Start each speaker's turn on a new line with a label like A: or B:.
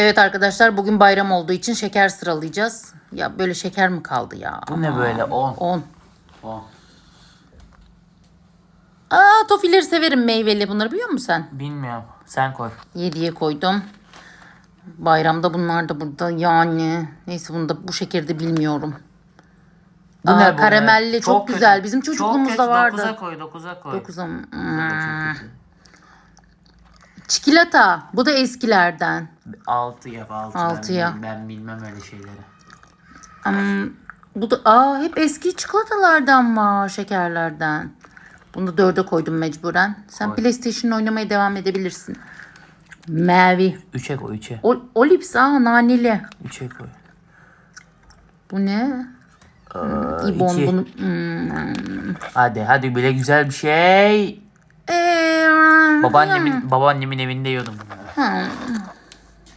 A: Evet arkadaşlar, bugün bayram olduğu için şeker sıralayacağız. Ya böyle şeker mi kaldı ya?
B: Bu ne böyle? 10.
A: 10.
B: 10.
A: Tofileri severim, meyveli, bunları biliyor musun sen?
B: Bilmiyorum. Sen koy.
A: 7'ye koydum. Bayramda bunlar da burada yani. Neyse, bunu da bu şekerde bilmiyorum.
B: Bu ne bu?
A: Karamelli çok
B: kötü.
A: güzel. Bizim çocukluğumuzda vardı.
B: 9'a koy. 9'a koy.
A: 9'a mı?
B: Bu da çok kötü.
A: Çikolata. Bu da eskilerden.
B: 6 yap 6.
A: 6'ya.
B: Ben bilmem öyle şeyleri.
A: Bu da hep eski çikolatalardan var, şekerlerden. Bunu da 4'e koydum mecburen. Sen
B: Koy.
A: PlayStation oynamaya devam edebilirsin. Mavi.
B: 3'e koy 3'e.
A: Olips naneli.
B: 3'e koy.
A: Bu ne? İbon
B: iki.
A: bunu.
B: Hadi bile güzel bir şey.
A: Ee,
B: Babaannemin evinde yiyordum bunları.